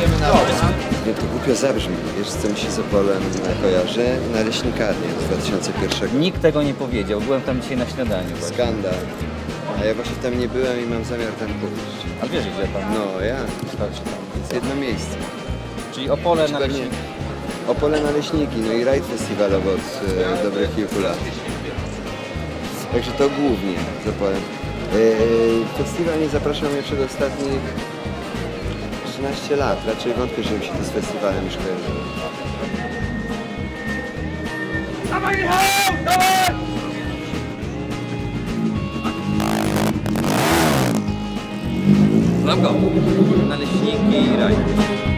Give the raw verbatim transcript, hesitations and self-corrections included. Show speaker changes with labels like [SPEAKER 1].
[SPEAKER 1] Idziemy na
[SPEAKER 2] No to głupio zabrzmi, wiesz co mi się z Opolem kojarzy? Naleśnikarnię z dwa tysiące pierwszego.
[SPEAKER 3] Nikt tego nie powiedział, byłem tam dzisiaj na śniadaniu właśnie.
[SPEAKER 2] Skandal. A ja właśnie tam nie byłem i mam zamiar tam pójść.
[SPEAKER 3] A wiesz gdzie tam?
[SPEAKER 2] No ja,
[SPEAKER 3] Patrzcie tam.
[SPEAKER 2] jest jedno miejsce.
[SPEAKER 3] Czyli Opole na
[SPEAKER 2] Pewnie Opole Naleśniki, no i rajd festiwalowy od e, dobrych kilku lat. Także to głównie z Opolem. E, festiwal nie zapraszał mnie przez ostatnich trzynaście lat. Raczej wątpię, że mi się to z festiwalem już kojarzyło.
[SPEAKER 3] Znam go. Naleśniki i raj.